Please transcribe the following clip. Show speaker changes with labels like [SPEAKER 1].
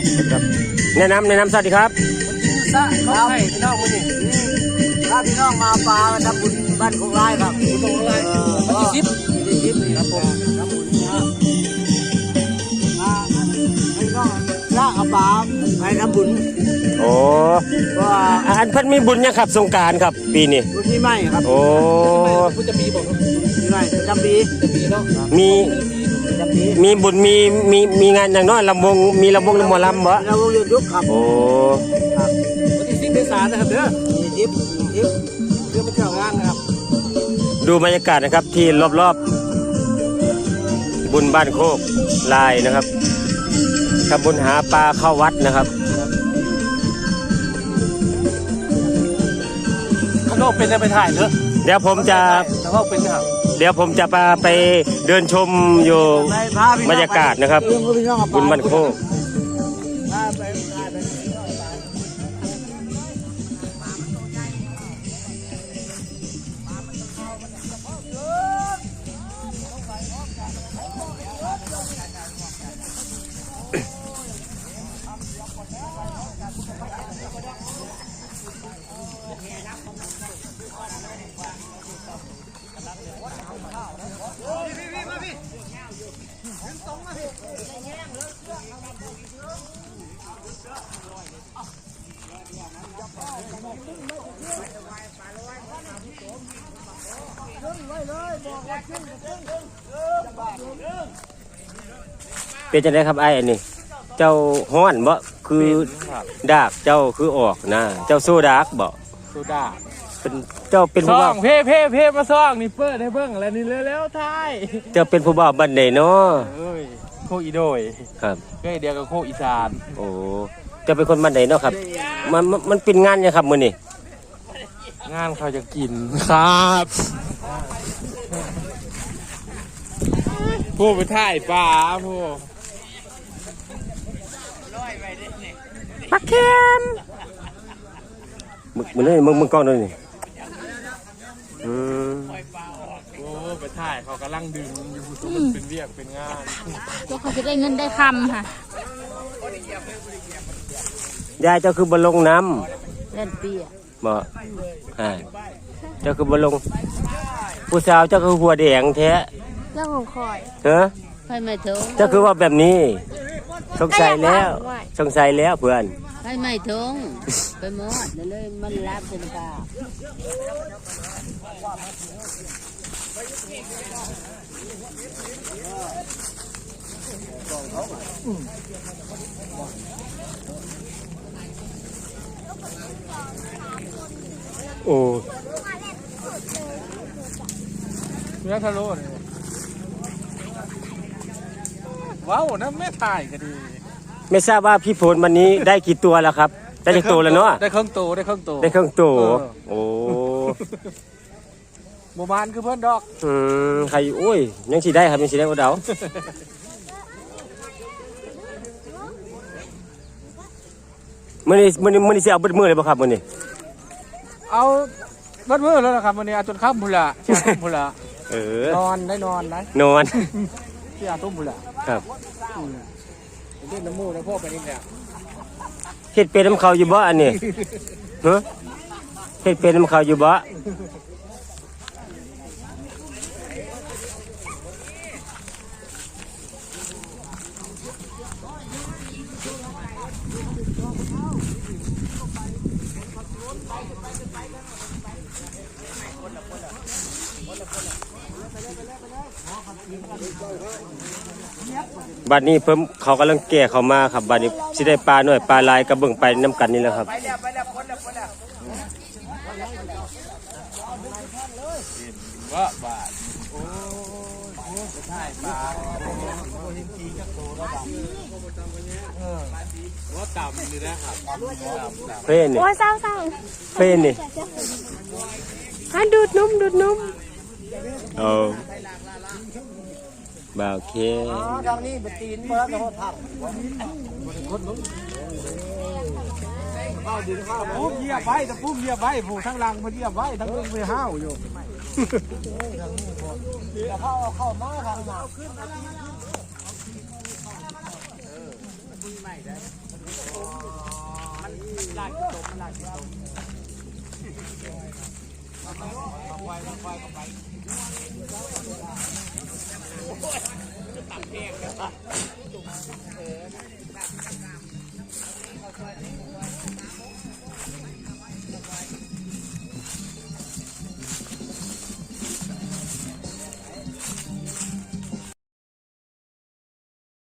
[SPEAKER 1] ครับแนะนำสวัสดีครับ
[SPEAKER 2] ซะครับพี่น้องมาดิถ้าพี่น้องมาปลาทำบุญบ้านของไร่ครับบุญของไร่วันที่10ครับผมทำบุญนะพี่น้องละเอาปลาไปทำบุญ
[SPEAKER 1] โอ้อันเพิ่นมีบุญยังครับสงกรานต์ครับปีนี้
[SPEAKER 2] บุญที่ไม่ครับ
[SPEAKER 1] โอ้
[SPEAKER 2] บุญจะปีบอกที่ไม่จำปีเนาะ
[SPEAKER 1] มีบุญมีงานอย่างน้อยลำวงมีลำวงหมอลำบ่
[SPEAKER 2] ลำวงยุกครับ
[SPEAKER 1] โอ้
[SPEAKER 2] ครับวันที่10 เมษายนนะครับเด้อ10เพื่อมาเที่ยวงานนะครับ
[SPEAKER 1] ดูบรรยากาศนะครับที่รอบๆบุญบ้านโคกลายนะครับทำบุญหาปลาเข้าวัดนะครับ
[SPEAKER 2] ข้างนอกเป็นจะไปถ่ายเถอะ
[SPEAKER 1] เดี๋ยวผมจะ
[SPEAKER 2] ข้างนอกเป็นครับ
[SPEAKER 1] เดี๋ยวผมจะไปเดินชมอยู่บรรยากาศนะครับบุญบ้านโคกเป็นจังได๋ครับไอ้อันนี้เจ้าฮ้อนบ่คือดากเจ้าคือออกนะเจ้าโซดากบ่
[SPEAKER 2] โซดา
[SPEAKER 1] เป็นเจ้าเป็นผู้บ่าว
[SPEAKER 2] เพ่มาซ่องนี่เปิดให้เบิ่งอะไรนี่เร็วๆท้าย
[SPEAKER 1] เจ้าเป็นผู้บ่าวบ้านใดเนาะ
[SPEAKER 2] เอ้ยโคอีโดย
[SPEAKER 1] ครับ
[SPEAKER 2] ก็เดียวกับโคอีสาน
[SPEAKER 1] โอ้เจ้าเป็นคนบ้านใดเนาะครับมันเป็นงานยังครับมื้อนี้
[SPEAKER 2] งานเขาจะกินครับผู้ไปถ่ายปลาผู้
[SPEAKER 1] ปลาเค็มมึงนี่มึงกล้องด้วยนี่
[SPEAKER 2] โอ้ไปถ่ายเขากำลังดึงอยู่เป็นเวียกเป็นงาน
[SPEAKER 3] ตัวเขาจะได้เงินได้คำค่ะ
[SPEAKER 1] ยายเจ้าคือบอลลงน้
[SPEAKER 3] ำเล่นเปีย
[SPEAKER 1] บ่เจ้าคือบอลลงผู้สาวเจ้าคือหัวแดงแท้
[SPEAKER 3] เจ้าของคอย
[SPEAKER 1] ไปไม่ถึงเจ้าคือว่าแบบนี้สงสัยแล้วเพื่อน
[SPEAKER 3] ไปไม่ถึงไปหมดเลยมันรับเป็นปลา
[SPEAKER 1] โอ้
[SPEAKER 2] เนื้อทะลุว้าวนะแม่ถ่ายก็ดี
[SPEAKER 1] ไม่ทราบว่าพี่ฝนวันนี้ได้กี่ตัวแล้วครับได้กี่ตัวแล้วเนาะ
[SPEAKER 2] ได้ครึ่งตัว
[SPEAKER 1] โอ้
[SPEAKER 2] โมบานคือเพื่อนดอก
[SPEAKER 1] ใครโอ้ยยังสิได้ครับยังสิได้โอเดามื้อนี้สิเอาเบิดมื้อเลยบ่ครับมื้อนี้
[SPEAKER 2] เอาเบิดมื้อแล้วนะครับมื้อนี้เอาจนค่ำพุ่นล่ะเช้าพุ่นล่ะนอนได้
[SPEAKER 1] นอน
[SPEAKER 2] เช้าทุ่มพุ่นล่ะ
[SPEAKER 1] ครับ
[SPEAKER 2] เล่นน้ำมูกน้ำพวกไปนี่เนี่ย
[SPEAKER 1] เฮ็ดเป็นน้ำเขาอยู่บ่อันนี้เฮ็ดเป็นน้ำเขาอยู่บ่บัดนี้เพิ่มเขากำลังแก่เขามาครับบัดนี้สิได้ปลาหน่อยปลาลายกระเบื้องไปน้ำกันนี่แหละครับ
[SPEAKER 2] ว่าบาทโอ้ใช่ปลาว่าต่ำนี่นะครับ
[SPEAKER 1] เพ่นนี่
[SPEAKER 3] โอ้ยเศร้า
[SPEAKER 1] เพ่นนี่
[SPEAKER 3] ดูดนุ่ม
[SPEAKER 1] บ่าวเค
[SPEAKER 2] ทางนี้เป็นตีนเมื่อกี้ทำปุ๊บเหยียบไว้แต่ปุ๊บเหยียบไว้ผู้ทั้งรังมาเหยียบไว้ทั้งเรื่องไปห้าวอยู่แต่เข้ามาทางหนามันลากตมมันลากตมเอาไว้ก็ไปตัดแห้งกัน